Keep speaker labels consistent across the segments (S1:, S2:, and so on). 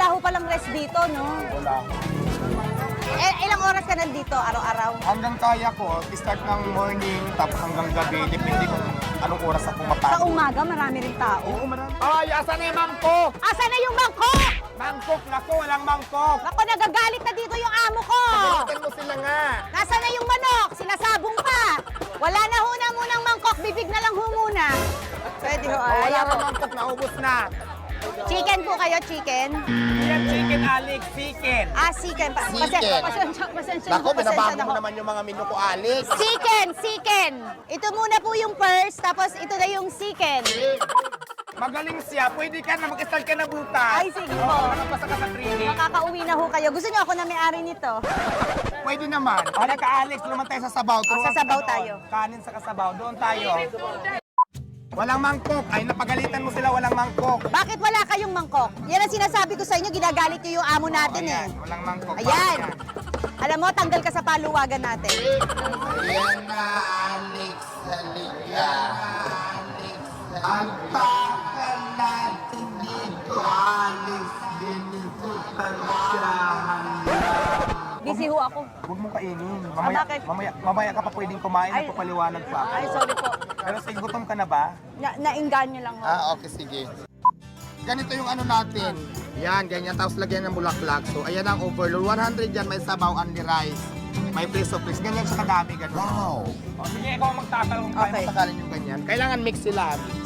S1: wala ho palang rest dito, no?
S2: Wala.
S1: Ilang oras ka nandito, araw-araw?
S2: Hanggang kaya ko, start ng morning, tapos hanggang gabi, depende kung anong oras ako
S1: Sa
S2: mapagod.
S1: umaga, marami rin tao.
S2: Oo, marami. Ay, asan na yung mangkok?
S1: Asan na yung mangkok?
S2: Mangkok, naku, walang mangkok.
S1: Ako, nagagalit na dito yung amo ko.
S2: Pagalitan mo sila nga.
S1: Nasaan na yung manok? Sinasabong pa. Wala na ho na munang mangkok, bibig na lang ho muna. Pwede ho,
S2: Wala
S1: ayaw
S2: na
S1: ko.
S2: mangkok, naubos na.
S1: Chicken po kayo, chicken?
S2: Yan, chicken, Alex, chicken.
S1: Chicken.
S2: Chicken.
S1: Pasensya
S2: Naku,
S1: na
S2: binabago
S1: ho.
S2: mo naman yung mga menu ko, Alex.
S1: Chicken. Ito muna po yung first, tapos ito na yung chicken.
S2: Magaling siya. Pwede ka na, mag-start ka na butas.
S1: Ay, sige po.
S2: Nakapasa ka sa training.
S1: Makakauwi na ho kayo. Gusto niyo ako na may-ari nito?
S2: Pwede naman. Halika ka, Alex. Luman tayo sa sabaw. Turuan
S1: sa sabaw
S2: kita doon.
S1: tayo.
S2: Kanin sa kasabaw. Doon tayo. Walang mangkok. Ay, napagalitan mo sila. Walang mangkok.
S1: Bakit wala kayong mangkok? Yan ang sinasabi ko sa inyo, ginagalit niyo yung amo natin eh.
S2: Ayan, walang mangkok.
S1: Ayan. Alam mo, tanggal ka sa paluwagan natin.
S2: Ayan na, Alex. Halika. Ang takal natin dito, Alex. Diniputan siya.
S1: Busy ho ako.
S2: Huwag mong kainin. Mamaya,
S1: bakit?
S2: mamaya ka pa pwedeng kumain.
S1: Ay.
S2: Nagpapaliwanag pa ako.
S1: Ay, sorry po.
S2: Pero sige, gutom ka na ba?
S1: Nainganyo lang ho.
S2: Okay, sige. Ganito yung ano natin. Yan, ganyan. Tapos lagyan ng bulaklak. So, ayan ang overload. 100 yan, may sabaw, only rice. May preso, please. Ganyan siya kadami, ganun. Wow! O, sige, ikaw ang magtatanong kung
S1: Okay.
S2: kaya masakalin yung ganyan. Kailangan mix sila, mix.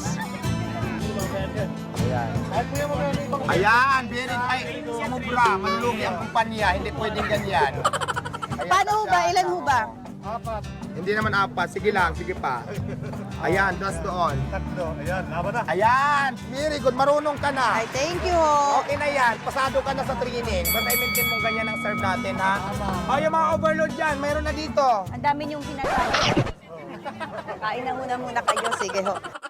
S2: Ayan. Ayan, very ay, sumubra, manlugi ang kumpanya, hindi pwedeng ganyan. Ayan,
S1: Paano ho ba? Ilan ho ba?
S2: Hindi naman apat, sige lang, sige pa. Ayan, dos doon.
S3: Tatlo. Ayan, laban na.
S2: Ayan, very good, marunong ka na.
S1: Ay, thank you ho.
S2: Okay na yan, pasado ka na sa training. Basta i-maintain mong ganyan ang serve natin, ha? O, yung mga overload dyan, mayroon na dito.
S1: Ang dami niyong sinasabi. Kain na muna kayo. Sige ho.